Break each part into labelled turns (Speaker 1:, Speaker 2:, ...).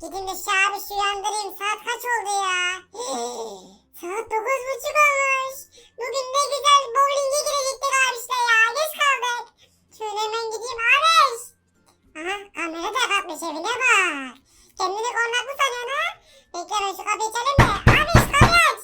Speaker 1: Gidin de şu abi şu uyandırayım. Saat kaç oldu ya? Saat 9:30 olmuş. Bugün ne güzel bowling'e girecektik abişle ya. Geç kaldık. Şöyle hemen gideyim abiş. Aha kamera da kapatmış evine bak. Kendini kornaklı sanıyor ha? Bekle ben şu kapıyı çalayım da. Abiş kapıyı aç.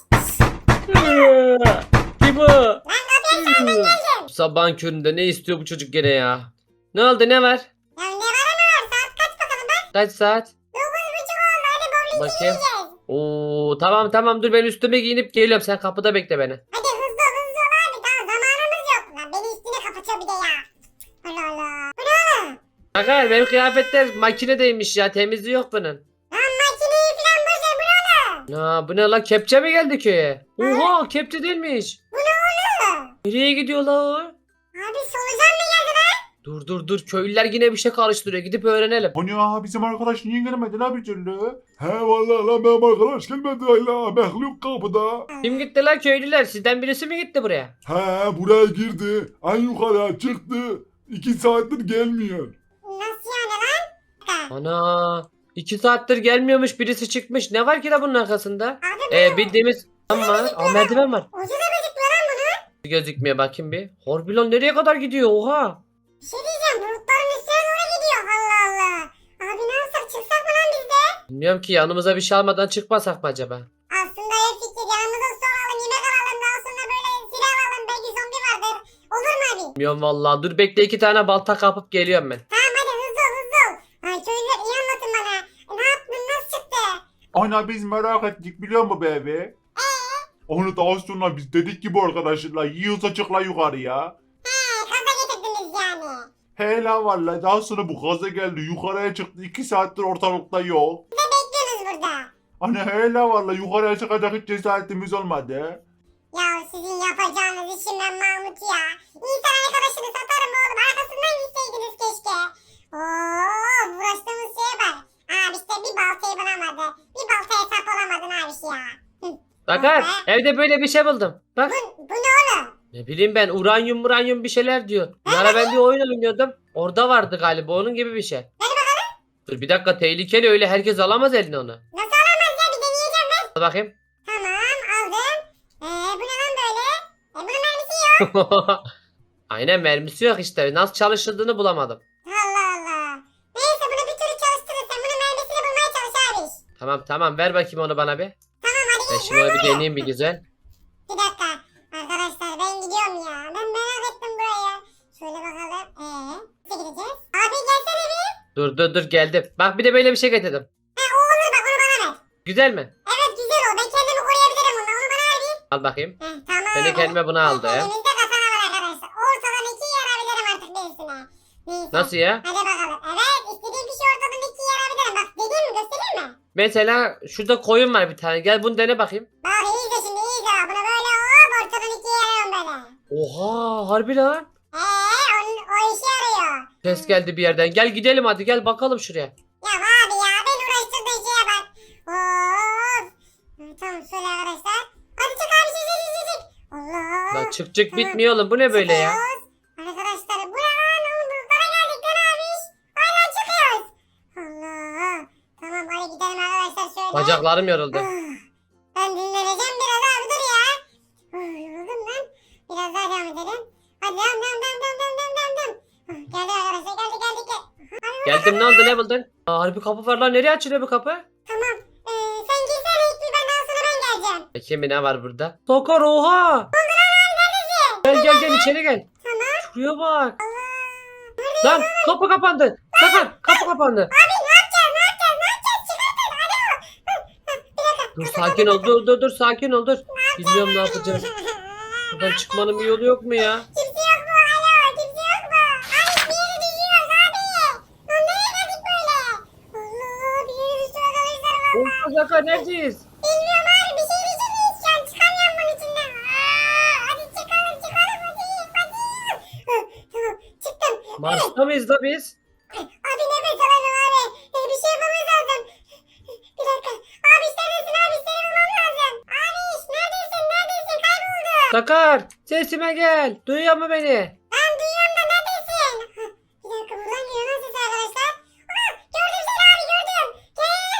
Speaker 2: Kim o?
Speaker 1: Lan kapıyı aç ben geldim.
Speaker 2: Sabahın köründe ne istiyor bu çocuk gene ya? Ne oldu ne var?
Speaker 1: Ya ne var ama var? Saat kaç bakalım bak.
Speaker 2: Kaç saat?
Speaker 1: 9:30 oldu. Hadi bowling'e
Speaker 2: Bakayım.
Speaker 1: gideceğiz.
Speaker 2: Oo tamam dur ben üstüme giyinip geliyorum. Sen kapıda bekle beni.
Speaker 1: Hadi hızlı ol abi. Daha zamanımız yok. Lan beni üstüne kapatıyor bir de ya. Allah Allah. Bu ne oğlum?
Speaker 2: Aga benim kıyafetler makinedeymiş ya. Temizliği yok bunun.
Speaker 1: Lan makineyi falan boş ver. Bu ne oğlum?
Speaker 2: Ya bu ne la? Kepçe mi geldi köye? Oha kepçe değilmiş.
Speaker 1: Bu ne oğlum?
Speaker 2: Nereye gidiyor la o?
Speaker 1: Abi solucan mı geldi lan?
Speaker 2: Dur. Köylüler yine bir şey karıştırıyor. Gidip öğrenelim.
Speaker 3: O ne ya, bizim arkadaş niye gelmedi la bir türlü? He vallahi lan benim arkadaş gelmedi hala. Mehluk kapıda.
Speaker 2: Kim gitti la köylüler? Sizden birisi mi gitti buraya?
Speaker 3: He buraya girdi. En yukarıya çıktı. 2 saattir gelmiyor.
Speaker 1: Nasıl yani lan? Ha.
Speaker 2: Ana. 2 saattir gelmiyormuş. Birisi çıkmış. Ne var ki la bunun arkasında?
Speaker 1: Abi bu
Speaker 2: Bildiğimiz... Ama merdiven var.
Speaker 1: ucu da gözükmüyor lan bunun.
Speaker 2: Gözükmüyor bakayım bir. Horbilon nereye kadar gidiyor? Oha.
Speaker 1: Bir şey diyeceğim. Bulutların üstüne doğru gidiyor. Allah Allah. Abi ne yapsak çıksak mı lan biz de?
Speaker 2: Bilmiyorum ki yanımıza bir şey almadan çıkmasak mı acaba?
Speaker 1: Aslında ev fikri. Yanımıza su alalım. Yemek alalım. Daha sonra böyle silah alalım. Belki zombi vardır. Olur mu abi?
Speaker 2: Bilmiyorum vallahi. Dur bekle 2 tane balta kapıp geliyorum ben.
Speaker 1: Tamam hadi hızlı ol. Ay köylüler iyi anlatın bana. Ne yaptın? Nasıl çıktı?
Speaker 3: Ana biz merak ettik biliyor musun bebe? Onu daha sonra biz dedik ki bu arkadaşlarla yiyorsa çıkla yukarıya.
Speaker 1: Kaza getirdiniz yani.
Speaker 3: He la valla daha sonra bu gaza geldi yukarıya çıktı 2 saattir ortalıkta yok.
Speaker 1: Ne bekliyorsunuz burada?
Speaker 3: Hani he la valla yukarıya çıkacak hiç cesaretimiz olmadı.
Speaker 1: Ya sizin yapacağınız işim ben Mahmut ya. İnsan arkadaşını satarım oğlum. Arkasından gitseydiniz keşke. Oo, uğraştığımız şeye bak. Abi işte bir baltayı bulamadı. Bir baltaya sap olamadın abi ya.
Speaker 2: Bakar evde böyle bir şey buldum. Bak.
Speaker 1: Bu ne oğlum?
Speaker 2: Ne bileyim ben uranyum bir şeyler diyor. Bir ara ben bir oyun oynuyordum. Orada vardı galiba onun gibi bir şey. Dur bir dakika tehlikeli öyle herkes alamaz eline onu.
Speaker 1: Nasıl alamaz ya bir deneyeceğim ben.
Speaker 2: Al bakayım.
Speaker 1: Tamam aldım. Bu ne lan böyle? Bunun mermisi yok.
Speaker 2: Aynen mermisi yok işte. Nasıl çalışıldığını bulamadım.
Speaker 1: Allah Allah. Neyse bunu bir türlü çalıştırın. Sen bunun mermisini bulmaya çalış abi.
Speaker 2: Tamam ver bakayım onu bana bir.
Speaker 1: Tamam hadi
Speaker 2: Ben
Speaker 1: git.
Speaker 2: şimdi onu bir deneyeyim bir güzel.
Speaker 1: Bir dakika. Arkadaşlar ben gidiyorum ya. Ben merak ettim burayı. Şöyle bakalım. Nasıl gideceğiz? Abi gelsene bir.
Speaker 2: Dur geldim. Bak bir de böyle bir şey getirdim.
Speaker 1: O olur bak onu bana ver.
Speaker 2: Güzel mi?
Speaker 1: Evet güzel o. Ben kendimi koruyabilirim ondan. Onu bana ver bir.
Speaker 2: Al bakayım.
Speaker 1: Tamam.
Speaker 2: Ben de kendime bunu aldım.
Speaker 1: Elimizde katana var arkadaşlar. Ortadan iki yarabilirim artık birisine. Neyse.
Speaker 2: Nasıl ya?
Speaker 1: Hadi bakalım. Evet istediğim bir şey ortadan iki yarabilirim. Bak dediğim mi göstereyim mi?
Speaker 2: Mesela şurada koyun var bir tane. Gel bunu dene bakayım.
Speaker 1: Bak iyi de şimdi iyi de. Bunu böyle hop ortadan ikiye yarıyorum böyle.
Speaker 2: Oha harbi lan.
Speaker 1: O işe yarıyor.
Speaker 2: Ses geldi bir yerden. Gel gidelim hadi gel bakalım şuraya.
Speaker 1: Ya abi ya ben uğraştırdığın şeye bak. Of. Tamam şöyle arkadaşlar. Hadi çık abi çık. Allah.
Speaker 2: Lan çık bitmiyor oğlum. Bu ne böyle ya?
Speaker 1: Çıkıyoruz. Arkadaşlar bu ne lan oğlum bulutlara geldik lan abi. Hala çıkıyoruz. Allah. Tamam hadi gidelim arkadaşlar şöyle.
Speaker 2: Bacaklarım yoruldu.
Speaker 1: Ben dinleneceğim biraz abi dur ya. Yoruldum lan. Biraz daha devam edelim. Hadi devam. Geldi arkadaşlar geldik.
Speaker 2: Geldim ne oldu ne buldun? Aa, harbi kapı var lan. Nereye açılıyor bu kapı?
Speaker 1: Tamam. Sen girsene ilk bir benden sonra ben geleceğim.
Speaker 2: Bakayım bir ne var burada? Sakar oha. Gel içeri gel.
Speaker 1: Tamam.
Speaker 2: Şuraya bak. Lan kapı kapandı. Sakar kapı kapandı.
Speaker 1: Abi ne yapacağız? Çıkartın alo. Bir dakika.
Speaker 2: Dur sakin ol dur sakin ol dur. Bilmiyorum ne yapacağız. Buradan çıkmanın bir yolu yok mu ya?
Speaker 1: Kimse yok mu? Alo kimse yok mu? Abi bir yere düşüyoruz abi. Lan nereye geldik böyle? Allah bir yere düşüyoruz arkadaşlar valla.
Speaker 2: Oha Sakar neredeyiz?
Speaker 1: Bilmiyorum abi bir şeyin içindeyiz şu an. Çıkamıyorum bunun içinden. Hadi çıkalım hadi. Tamam çıktım.
Speaker 2: Mars'ta mıyız da biz?
Speaker 1: Abi nefes alamıyorum abi. Bir şey yapmamız lazım. Bir dakika. Abi neredesin abi? Seni bulmam lazım. Abi neredesin? Kayboldun.
Speaker 2: Sakar sesime gel. Duyuyor mu beni?
Speaker 1: Ben duyuyorum da neredesin? Bir dakika buradan geliyor nasıl ses arkadaşlar? Gördüm seni abi gördüm.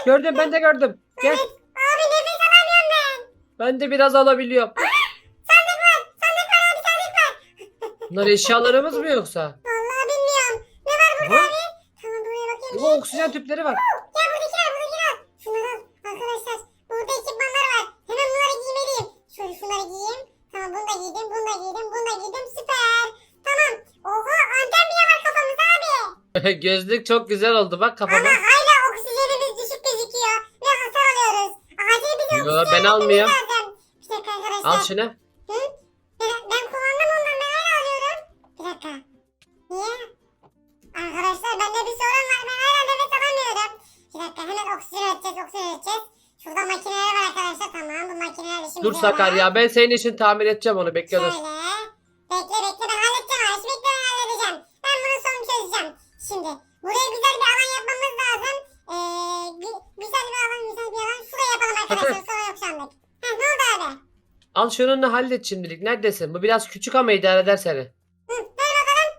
Speaker 2: Gördüm, ben de gördüm. Gel.
Speaker 1: Abi nefes alamıyorum ben.
Speaker 2: Ben de biraz alabiliyorum.
Speaker 1: Sandık var. Sandık var abi sandık var.
Speaker 2: Bunlar eşyalarımız mı yoksa?
Speaker 1: Vallahi bilmiyorum. Ne var burada
Speaker 2: Aha.
Speaker 1: abi? Tamam buraya bakayım.
Speaker 2: Bu oksijen tüpleri var.
Speaker 1: Ya buradakiler al. Şunları al. Arkadaşlar burada ekipmanlar var. Hemen bunları giymeliyim. Şöyle şunları giyeyim. Tamam bunu da giydim. Bunu da giydim. Bunu da giydim. Süper. Tamam. Oha anten bile var kafamızda abi.
Speaker 2: Gözlük çok güzel oldu bak
Speaker 1: Ama
Speaker 2: kafama.
Speaker 1: hala oksijenimiz düşük gözüküyor. Ve hasar alıyoruz. Acil bize
Speaker 2: Yo,
Speaker 1: oksijen
Speaker 2: ben
Speaker 1: vermemiz
Speaker 2: almıyorum.
Speaker 1: lazım. Bir dakika arkadaşlar.
Speaker 2: Al şunu.
Speaker 1: Hı? Ben kullandım ondan ben hala alıyorum. Bir dakika. Niye? Arkadaşlar bende bir sorun var. Ben hala nefes alamıyorum. Bir dakika hemen oksijen üreteceğiz. Şurada makineler var arkadaşlar. Tamam bu makineler işimize
Speaker 2: Dur Sakar
Speaker 1: yarar.
Speaker 2: ya, ben senin için tamir edeceğim onu, bekle dur.
Speaker 1: Şöyle. Bekle ben halledeceğim. Abi. Bekle ben halledeceğim. Ben bunun sonunu çözeceğim. Şimdi buraya güzel bir alan yapmamız lazım. Güzel bir alan. Şuraya yapalım arkadaşlar. Sonra yok şu anlık. Heh, ne oldu abi?
Speaker 2: Al şunu hallet şimdilik. Neredesin? Bu biraz küçük ama idare eder seni.
Speaker 1: Hı, ver bakalım.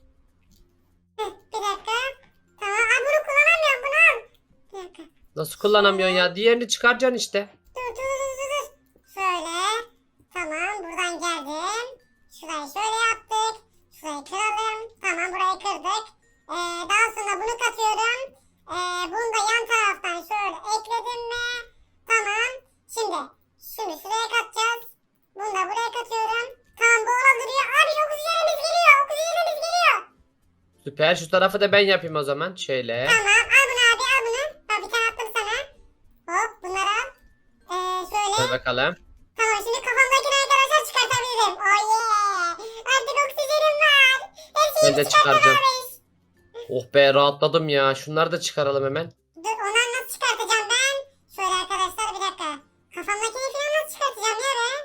Speaker 1: Bir dakika. Tamam. Aa, bunu kullanamıyorum. Bunu al. Bir dakika.
Speaker 2: Nasıl kullanamıyorsun ya? Diğerini çıkaracaksın işte.
Speaker 1: Dur. Şöyle. Tamam. Buradan geldim. Şurayı şöyle yaptık. Şurayı kıralım. Tamam. Burayı kırdık. Daha sonra bunu katıyorum. Bunu da yan taraftan şöyle ekledim mi? Tamam. Şimdi şuraya katacağız. Bunu da buraya katıyorum. Tamam bu orada duruyor. Abi oksijenimiz geliyor. Oksijenimiz geliyor.
Speaker 2: Süper. Şu tarafı da ben yapayım o zaman. Şöyle.
Speaker 1: Tamam al bunu abi al bunu. Bak bir tane attım sana. Hop bunları al. Şöyle.
Speaker 2: Dur bakalım.
Speaker 1: Tamam şimdi kafamdakini arkadaşlar çıkartabilirim. Oh yeah. Artık oksijenim var. Her
Speaker 2: Ben
Speaker 1: şeyi
Speaker 2: de
Speaker 1: çıkartacağım
Speaker 2: çıkaracağım.
Speaker 1: abi.
Speaker 2: Oh be, rahatladım ya. Şunları da çıkaralım hemen.
Speaker 1: Dur onları nasıl çıkartacağım ben? Şöyle arkadaşlar bir dakika. Kafamdakini falan nasıl çıkartacağım ya ben?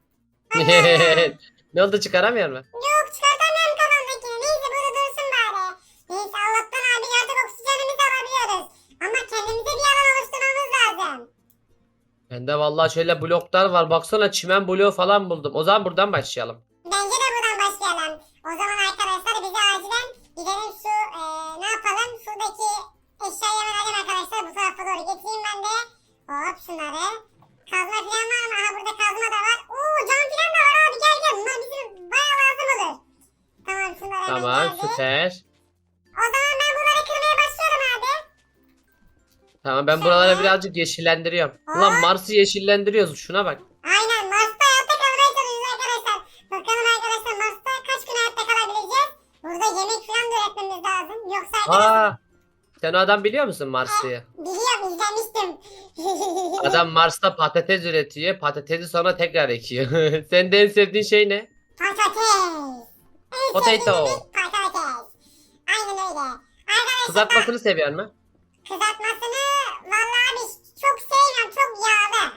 Speaker 1: Allah Allah.
Speaker 2: Ne oldu, çıkaramıyor mu?
Speaker 1: Yok çıkartamıyorum kafamdakini. Neyse burada dursun bari. Neyse Allah'tan abi artık oksijenimizi alabiliyoruz. Ama kendimize bir alan oluşturmamız lazım.
Speaker 2: Bende vallahi şöyle bloklar var. Baksana, çimen bloğu falan buldum. O zaman buradan başlayalım.
Speaker 1: Bence de buradan başlayalım. O zaman arkadaşlar bize acilen gidelim şu ne yapalım? Şuradaki eşyayı hemen alayım arkadaşlar. Bu tarafa doğru getireyim ben de. Hop şunları. Kazma falan var mı? Aha burada kazma da var. Oo cam falan da var abi gel. Bunlar bizim bayağı lazım olur. Tamam şunları hemen
Speaker 2: Tamam,
Speaker 1: geldik.
Speaker 2: süper.
Speaker 1: O zaman ben bunları kırmaya başlıyorum abi.
Speaker 2: Tamam, ben buraları birazcık yeşillendiriyorum. Ulan Mars'ı yeşillendiriyoruz. Şuna bak.
Speaker 1: Aynen Mars'ta hayatta kalmaya çalışıyoruz arkadaşlar. Bakalım arkadaşlar Mars'ta kaç gün hayatta kalabileceğiz? Burada yemek falan da üretmemiz lazım. Yoksa arkadaşlar
Speaker 2: Aa, sen o adam biliyor musun Mars'ı?
Speaker 1: biliyorum izlemiştim.
Speaker 2: Adam Mars'ta patates üretiyor. Patatesi sonra tekrar ekiyor. Senin de en sevdiğin şey ne?
Speaker 1: Patates. En
Speaker 2: Potato.
Speaker 1: sevdiğimiz patates. Aynen öyle. Arkadaşlar
Speaker 2: Kızartmasını seviyor mu?
Speaker 1: kızartmasını vallahi abi çok sevmiyorum. Çok yağlı.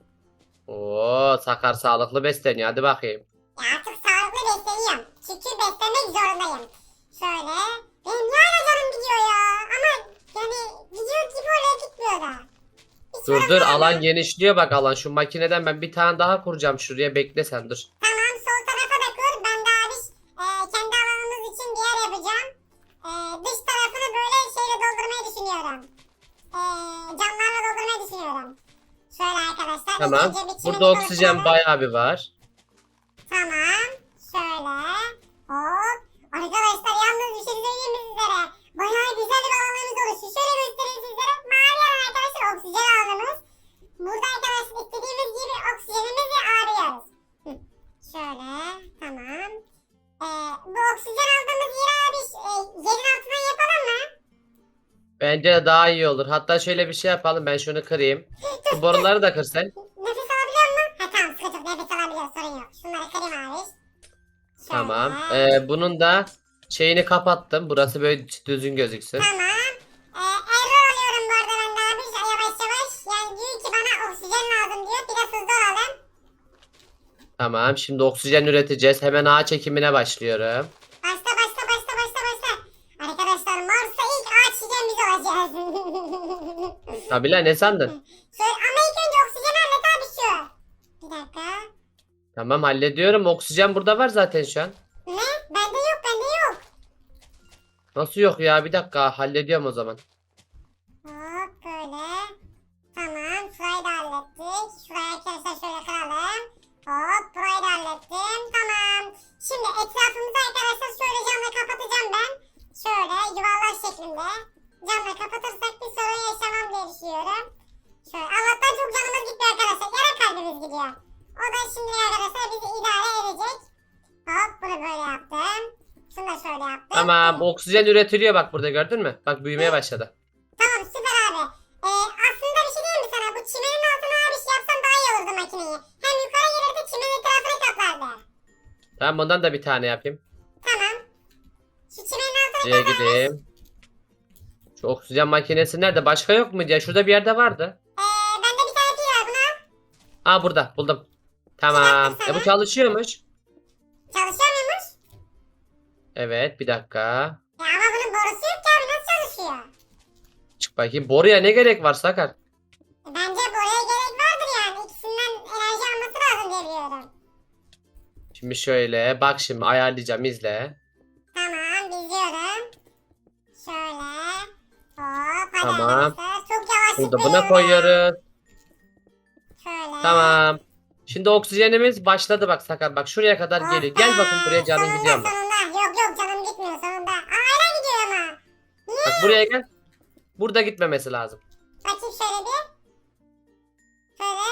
Speaker 2: Oo, Sakar sağlıklı besleniyor. Hadi bakayım.
Speaker 1: Ya artık sağlıklı besleniyorum. Çünkü beslenmek zorundayım. Şöyle. Benim niye hala canım gidiyor ya? Ama yani gidiyor gibi oraya gitmiyor da. Hiç
Speaker 2: Dur
Speaker 1: orası
Speaker 2: alan
Speaker 1: olmuyor.
Speaker 2: genişliyor bak alan. Şu makineden ben bir tane daha kuracağım şuraya. Bekle sen dur.
Speaker 1: Tamam sol tarafa da kur. Ben de abi kendi alanımız için bir yer yapacağım. Dış tarafını böyle şeyle doldurmayı düşünüyorum. Camlarla doldurmayı düşünüyorum. Şöyle arkadaşlar.
Speaker 2: Tamam.
Speaker 1: ilk önce bir
Speaker 2: Burada
Speaker 1: çimeni
Speaker 2: oksijen
Speaker 1: oluşturalım.
Speaker 2: bayağı bir var.
Speaker 1: Tamam. Şöyle. Hop. Arkadaşlar yalnız bir şey söyleyeyim mi sizlere? Bayağı güzel bir alanımız oluştu. Şöyle göstereyim sizlere. Mavi alan arkadaşlar oksijen alanımız. Burada arkadaşlar istediğimiz gibi oksijenimizi arıyoruz. Hı. Şöyle. Tamam. Bu oksijen aldığımız yeri abi yerin altından yapalım mı?
Speaker 2: Bence de daha iyi olur. Hatta şöyle bir şey yapalım. Ben şunu kırayım. Şu boruları da kır sen.
Speaker 1: Nefes alabiliyor mu? Ha tamam sıkıntı yok. Nefes alabiliyor. Sorun yok. Şunları kırayım abi. Şöyle.
Speaker 2: Tamam. Bunun da şeyini kapattım. Burası böyle düzgün gözüksün.
Speaker 1: Tamam. Error alıyorum bu arada ben de abi. Yavaş yavaş. Yani diyor ki bana oksijen lazım diyor. Biraz hızlı olalım.
Speaker 2: Tamam. Şimdi oksijen üreteceğiz. Hemen ağaç ekimine başlıyorum.
Speaker 1: Başla. Arkadaşlar Mars'a ilk ağaç çiğdem biz olacağız.
Speaker 2: Tabii lan, ne sandın?
Speaker 1: Ama ilk önce oksijen hallet abi şu. Bir dakika.
Speaker 2: Tamam, hallediyorum. Oksijen burada var zaten şu an.
Speaker 1: Ne? Bende yok.
Speaker 2: Nasıl yok ya? Bir dakika, hallediyorum o zaman.
Speaker 1: Hop böyle. gidiyor. O da şimdi arkadaşlar bizi idare edecek. Hop bunu böyle yaptım. Şunu da şöyle yaptım.
Speaker 2: Tamam, oksijen üretiliyor bak burada, gördün mü? Bak büyümeye başladı.
Speaker 1: Tamam süper abi. Aslında bir şey diyeyim mi sana? Bu çimenin altına abi şey yapsan daha iyi olurdu makineyi. Hem yukarı gelirdi çimenin etrafını kaplardı.
Speaker 2: Tamam, bundan da bir tane yapayım.
Speaker 1: Tamam. Şu çimenin altına
Speaker 2: Şuraya gideyim. Şu oksijen makinesi nerede? Başka yok muydu ya? Şurada bir yerde vardı.
Speaker 1: bende bir tane pil var buna.
Speaker 2: Aa, burada buldum. Tamam. Bu çalışıyormuş.
Speaker 1: Çalışıyor muymuş?
Speaker 2: Evet, bir dakika.
Speaker 1: Ya ama bunun borusu yok ki abi nasıl çalışıyor?
Speaker 2: Çık bakayım. Boruya ne gerek var Sakar?
Speaker 1: Bence buraya gerek vardır yani. İkisinden enerji alması lazım diye biliyorum.
Speaker 2: Şimdi şöyle bak, şimdi ayarlayacağım, izle.
Speaker 1: Tamam izliyorum. Şöyle. Hop hadi
Speaker 2: Tamam.
Speaker 1: arkadaşlar. Çok yavaş
Speaker 2: Burada
Speaker 1: zıplıyor
Speaker 2: buna
Speaker 1: ya.
Speaker 2: koyuyoruz.
Speaker 1: Şöyle.
Speaker 2: Tamam. Şimdi oksijenimiz başladı bak Sakar. Bak şuraya kadar geliyor. Gel bakın buraya, canın
Speaker 1: Sonunda,
Speaker 2: gidiyor mu?
Speaker 1: Sonunda. Yok canım gitmiyor sonunda. Hala gidiyor ama.
Speaker 2: Bak buraya gel. Burada gitmemesi lazım.
Speaker 1: Bakayım şöyle bir. Şöyle.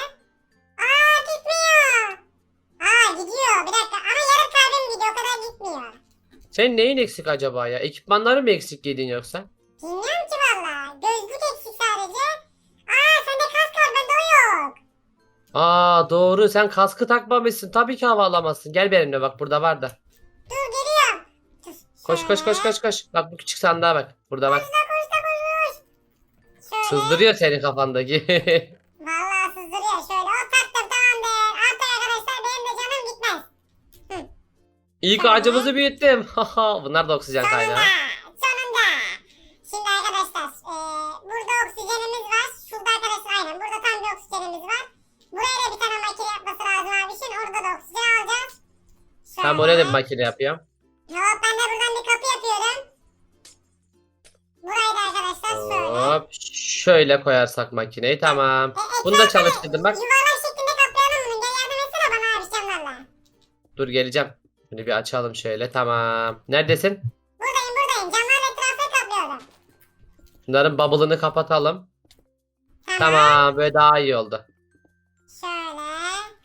Speaker 1: Gitmiyor. Gidiyor. Bir dakika. Ama yarım kalbim gidiyor. O kadar gitmiyor.
Speaker 2: Senin neyin eksik acaba ya? Ekipmanları mı eksik yedin yoksa?
Speaker 1: Bilmiyorum ki valla. Gözlük eksik sadece. Sende kask var bende o yok.
Speaker 2: Aa, doğru, sen kaskı takmamışsın. Tabii ki hava alamazsın. Gel benimle, bak burada var da.
Speaker 1: Dur geliyorum. Dur,
Speaker 2: Koş koş koş
Speaker 1: şöyle.
Speaker 2: koş koş. Bak bu küçük sandığa bak. Burada bak.
Speaker 1: Koş. Şöyle.
Speaker 2: Sızdırıyor senin kafandaki.
Speaker 1: Valla sızdırıyor. Şöyle o taktım tamamdır. Artık arkadaşlar benim de canım gitmez.
Speaker 2: İlk ağacımızı büyüttüm. Bunlar da oksijen
Speaker 1: Sonunda.
Speaker 2: kaynağı.
Speaker 1: Sonunda. Şimdi arkadaşlar burada oksijenimiz var. Şurada arkadaşlar aynen. Burada tam bir oksijenimiz var. Buraya da bir tane makine yapması lazım abi. Şimdi orada da oksijen alacağız. Şöyle.
Speaker 2: Tamam, oraya da bir makine yapıyorum.
Speaker 1: Hop ben de buradan bir kapı yapıyorum. Burayı da arkadaşlar şöyle.
Speaker 2: Hop. Şöyle koyarsak makineyi, tamam. Bunu da çalıştırdım bak.
Speaker 1: Yuvarlak şeklinde kaplayalım bunu. Gel yardım etsene bana abi camlarla.
Speaker 2: Dur geleceğim. Bunu bir açalım şöyle, tamam. Neredesin?
Speaker 1: Buradayım. Camlarla etrafı kaplıyorum.
Speaker 2: Bunların bubble'ını kapatalım. Tamam, böyle daha iyi oldu.
Speaker 1: Şöyle.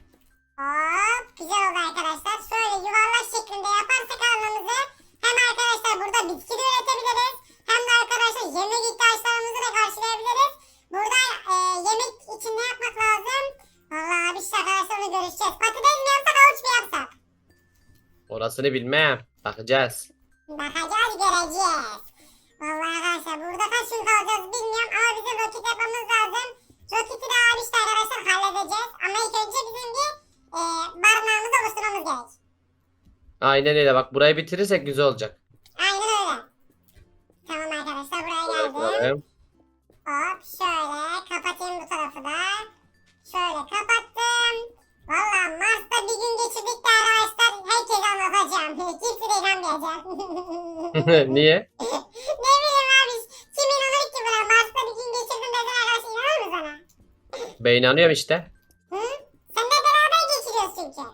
Speaker 1: Hop. Güzel oldu arkadaşlar. Şöyle yuvarlak şeklinde yaparsak alanımızı hem arkadaşlar burada bitki de üretebiliriz. Hem de arkadaşlar yemek ihtiyaçlarımızı da karşılayabiliriz. Burada yemek için ne yapmak lazım? Vallahi abi işte arkadaşlar onu görüşeceğiz. Patates mi yapsak havuç mu yapsak?
Speaker 2: Orasını bilmem. Bakacağız.
Speaker 1: Bakacağız göreceğiz. Vallahi arkadaşlar burada kaç gün kalacağız bilmiyorum ama bizim roket yapmamız lazım. Roketi de abi işte arkadaşlar halledeceğiz. Ama ilk önce bizim bir barınağımızı oluşturmamız gerek.
Speaker 2: Aynen öyle, bak burayı bitirirsek güzel olacak.
Speaker 1: Aynen öyle. Tamam arkadaşlar buraya geldim.
Speaker 2: Bakalım.
Speaker 1: Hop şöyle kapatayım bu tarafı da. Şöyle kapattım. Valla Mars'ta bir gün geçirdik de arkadaşlar herkese anlatacağım. Kimse de inanmayacak.
Speaker 2: Niye?
Speaker 1: Ne bileyim abi. Kim inanır ki buna? Mars'ta bir gün geçirdim desen arkadaş inanır mı sana?
Speaker 2: Ben inanıyorum işte.
Speaker 1: Hı? Sen de beraber geçiriyoruz çünkü.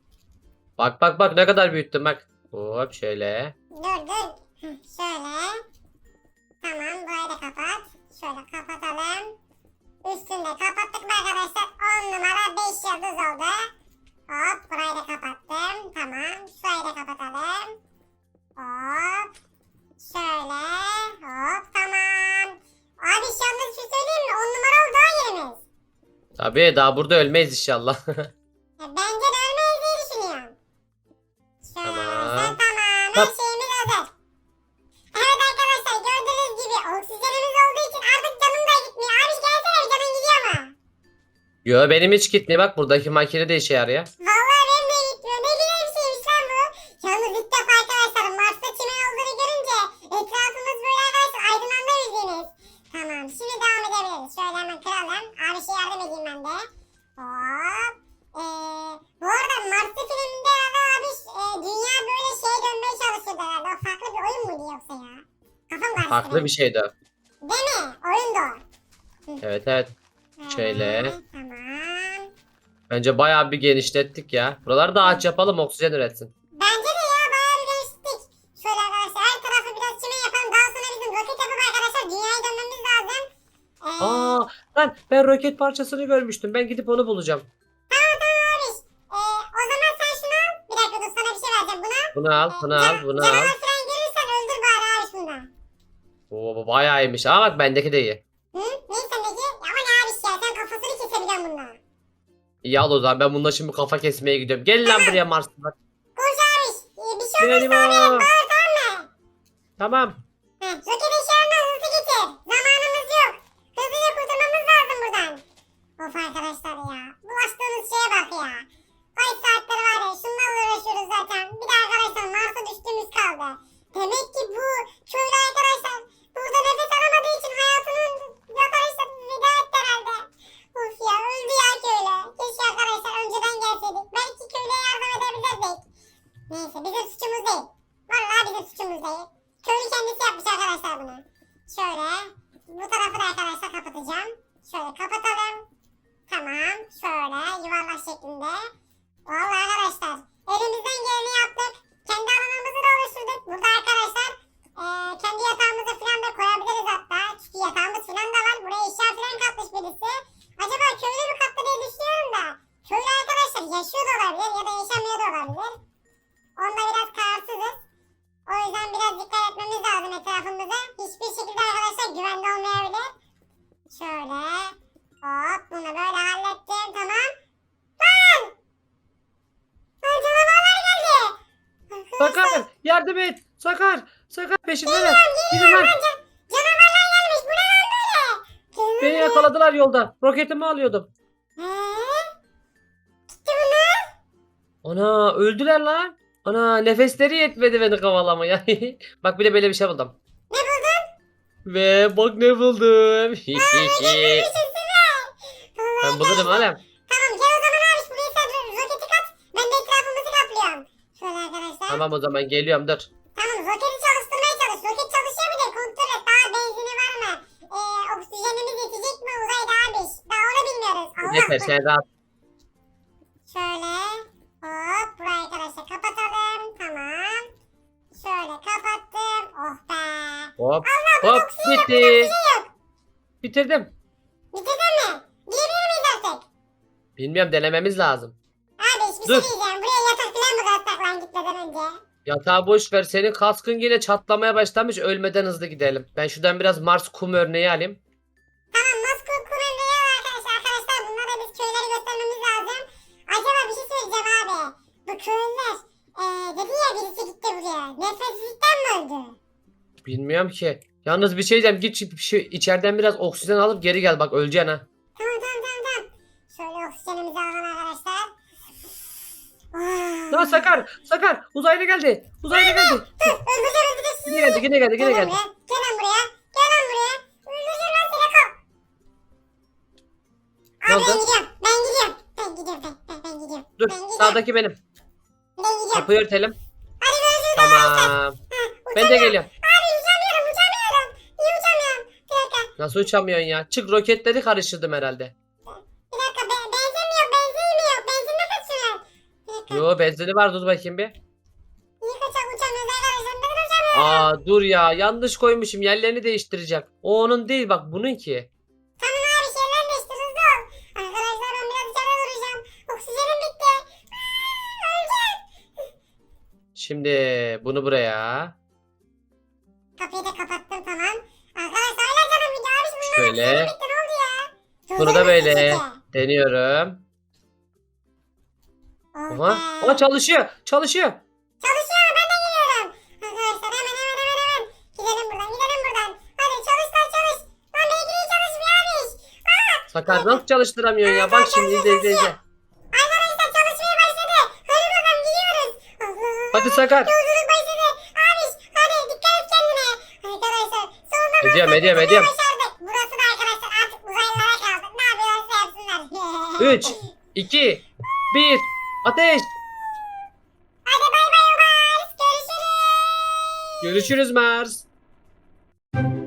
Speaker 2: Bak ne kadar büyüttüm bak. Hop şöyle.
Speaker 1: Dur. Şöyle. Tamam burayı da kapat. Şöyle kapatalım. Üstünü de kapattık mı arkadaşlar? 10 numara 5 yıldız oldu. Hop burayı da kapattım. Tamam. Şurayı da kapatalım. Hop. Şöyle. Hop tamam. Abi şu anda şu söyleyeyim mi? 10 numara oldu ha yerimiz.
Speaker 2: Tabii daha burada ölmeyiz inşallah.
Speaker 1: Bence de ölmeyiz diye düşünüyorum. Şöyle
Speaker 2: Tamam.
Speaker 1: tamam. Her şeyimiz hazır. Evet arkadaşlar gördüğünüz gibi oksijenimiz olduğu için artık canım da gitmiyor. Abi gelsene bir canın gidiyor mu?
Speaker 2: Yo, benim hiç gitmiyor, bak buradaki makine de işe yarıyor.
Speaker 1: Vallahi benim de gitmiyor. Ne güzel bir şeymiş lan bu. Yalnız ilk defa arkadaşlar Mars'ta çimen olduğunu görünce etrafımız böyle arkadaşlar aydınlandı bildiğiniz. Tamam şimdi devam edebiliriz. Şöyle hemen kıralım. Abi şey yardım edeyim ben de. Hop. Bu arada Mars'ta filminde abi dünya böyle şeye dönmeye çalışıyordu herhalde. O farklı bir oyun muydu yoksa ya? Kafam karıştı.
Speaker 2: Farklı bir şeydi o.
Speaker 1: Değil mi? Oyun da o.
Speaker 2: Evet. Şöyle.
Speaker 1: Tamam.
Speaker 2: Bence bayağı bir genişlettik ya. Buraları da ağaç yapalım, oksijen üretsin.
Speaker 1: Bence de ya bayağı bir değiştik. Şöyle arkadaşlar her tarafı biraz çimen yapalım. Daha sonra bizim roket yapıp arkadaşlar dünyaya dönmemiz lazım.
Speaker 2: Aa, lan ben roket parçasını görmüştüm. Ben gidip onu bulacağım.
Speaker 1: Tamam
Speaker 2: Bunu al, bunu al, bunu al.
Speaker 1: Canavar falan görürsen öldür bari abi şundan.
Speaker 2: Oo, bu bayağı iyiymiş. Ama bak bendeki de iyi.
Speaker 1: Hı? Neyse sendeki? Ama ne abi ya sen kafasını kesebiliyorsun bununla.
Speaker 2: İyi al o zaman. Ben bununla şimdi kafa kesmeye gidiyorum. Gel lan buraya Marslılar.
Speaker 1: Koş abi. Bir şey
Speaker 2: Benim
Speaker 1: olursa haberin
Speaker 2: o.
Speaker 1: bağır tamam mı?
Speaker 2: Tamam.
Speaker 1: Roket eşyalarından hızlı getir. Zamanımız yok. Hızlıca kurtulmamız lazım buradan. Of arkadaşlar ya. Bulaştığımız şeye bak ya. Ay saatleri var ya. Şunlarla uğraşıyoruz zaten. Bir de arkadaşlar Mars'a düştüğümüz kaldı. Demek ki bu köylü arkadaşlar burada nefes alamadığı için hayatının arkadaşlar veda etti herhalde. Of ya öldü ya köylü. Keşke arkadaşlar önceden gelseydik. Belki köylüye yardım edebilirdik. Neyse bizim suçumuz değil. Vallahi bizim suçumuz değil. Köylü kendisi yapmış arkadaşlar bunu. Şöyle bu tarafı da arkadaşlar kapatacağım. Şöyle kapatalım. Tamam. Şöyle yuvarlak şeklinde. Vallahi arkadaşlar elimizden geleni yaptık. Kendi alanımızı da oluşturduk. Burada arkadaşlar kendi yatağımızı falan da koyabiliriz hatta. Çünkü yatağımız falan da var. Buraya eşya falan katmış birisi. Acaba köylü mü kattı diye düşünüyorum da. Köylü arkadaşlar yaşıyor da olabilir ya da yaşamıyor da olabilir. Onda biraz kararsızız. O yüzden biraz dikkat etmemiz lazım etrafımıza. Hiçbir şekilde arkadaşlar güvende olmayabilir. Şöyle. Hop bunu böyle hallettim. Tamam. Lan! Lan canavarlar geldi.
Speaker 2: Sakar yardım et. Sakar peşindeler. Gidin lan.
Speaker 1: Canavarlar gelmiş. Bu ne lan böyle?
Speaker 2: Beni yakaladılar yolda. Roketimi alıyordum.
Speaker 1: Gitti bunlar.
Speaker 2: Ana öldüler lan. Ana nefesleri yetmedi beni kovalamaya. Bak bir de böyle bir şey buldum.
Speaker 1: Ne buldun?
Speaker 2: Ve bak ne buldum.
Speaker 1: Görüşürüz.
Speaker 2: Ben bulurum oğlum.
Speaker 1: Tamam gel o zaman abi buraya sen roketi kat. Ben de etrafımızı kaplıyorum. Şöyle arkadaşlar.
Speaker 2: Tamam o zaman geliyorum dur.
Speaker 1: Tamam roketi çalıştırmaya çalış. Roket çalışıyor mu diye kontrol et. Daha benzini var mı? Oksijenimiz yetecek mi uzayda abi? Daha onu bilmiyoruz. Allah
Speaker 2: Yeter sen rahat.
Speaker 1: Şöyle hop burayı arkadaşlar kapatalım. Tamam. Şöyle kapattım. Oh be.
Speaker 2: Hop
Speaker 1: Allah
Speaker 2: hop bitti.
Speaker 1: yok.
Speaker 2: Bitirdim.
Speaker 1: Bitirdin mi? Girebilir miyiz artık?
Speaker 2: Bilmiyorum denememiz lazım.
Speaker 1: Abi bir
Speaker 2: Dur.
Speaker 1: şey diyeceğim. Buraya yatak falan mı katsak lan gitmeden önce?
Speaker 2: Yatağı boş ver. Senin kaskın yine çatlamaya başlamış. Ölmeden hızlı gidelim. Ben şuradan biraz Mars kum örneği alayım.
Speaker 1: Tamam Moskova kumandayı al arkadaşlar. Arkadaşlar bunlara biz köyleri göstermemiz lazım. Acaba bir şey söyleyeceğim abi. Bu köylüler dedi ya birisi gitti buraya. Nefessizlikten mi öldü?
Speaker 2: Bilmiyorum ki. Yalnız bir şey diyeceğim. Git içeriden biraz oksijen alıp geri gel. Bak öleceksin ha.
Speaker 1: Tamam. Şöyle oksijenimizi alalım arkadaşlar.
Speaker 2: Lan Sakar. Uzaylı geldi.
Speaker 1: Öldüreceğim.
Speaker 2: Yine geldi.
Speaker 1: Gel lan buraya. Öldüreceğim lan seni kal.
Speaker 2: Ne
Speaker 1: Abi
Speaker 2: oldu?
Speaker 1: ben gidiyorum. Ben gidiyorum.
Speaker 2: Dur sağdaki benim.
Speaker 1: Ben gidiyorum.
Speaker 2: Kapıyı örtelim.
Speaker 1: Hadi görüşürüz.
Speaker 2: Tamam. Ben de geliyorum.
Speaker 1: Abi uçamıyorum. Niye uçamıyorum? Bir dakika.
Speaker 2: Nasıl uçamıyorsun ya? Çık roketleri karıştırdım herhalde.
Speaker 1: Bir dakika. Benzin mi yok? Benzin ne kaçıyor? Bir dakika.
Speaker 2: Yo benzini var dur bakayım bir.
Speaker 1: Niye kaçak uçamıyoruz arkadaşlar? Neden uçamıyorum?
Speaker 2: Aa dur ya yanlış koymuşum yerlerini değiştireceğim. O onun değil bak bunun ki.
Speaker 1: Tamam abi şeyler değiştir hızlı ol. Arkadaşlar ben biraz içeri duracağım. Oksijenim bitti. Öleceğim.
Speaker 2: Şimdi bunu buraya.
Speaker 1: Kapıyı da kapattım tamam. Arkadaşlar hala canım gidiyor abi. Bunlar
Speaker 2: Şöyle.
Speaker 1: oksijenim bitti ne oldu ya?
Speaker 2: Bunu da böyle
Speaker 1: Durdurma
Speaker 2: deniyorum.
Speaker 1: sesi.
Speaker 2: Aha. Aa çalışıyor.
Speaker 1: Çalışıyor ben de geliyorum. Arkadaşlar hemen. Gidelim buradan. Hadi çalış. Lan belki de çalışmıyormuş.
Speaker 2: Sakar nasıl çalıştıramıyorsun ya? Bak şimdi izle.
Speaker 1: Arkadaşlar çalışmaya başladı. Hadi bakalım gidiyoruz. Allah.
Speaker 2: Hadi Sakar.
Speaker 1: Yolculuk başladı. Abi hadi dikkat et kendine. Arkadaşlar sonunda
Speaker 2: Ediyorum.
Speaker 1: başardık. Burası da arkadaşlar artık uzaylılara kaldı. Ne yapıyorlarsa yapsınlar.
Speaker 2: 3, 2, 1. Ateş.
Speaker 1: Hadi bay bay Mars. Görüşürüz.
Speaker 2: Görüşürüz Mars.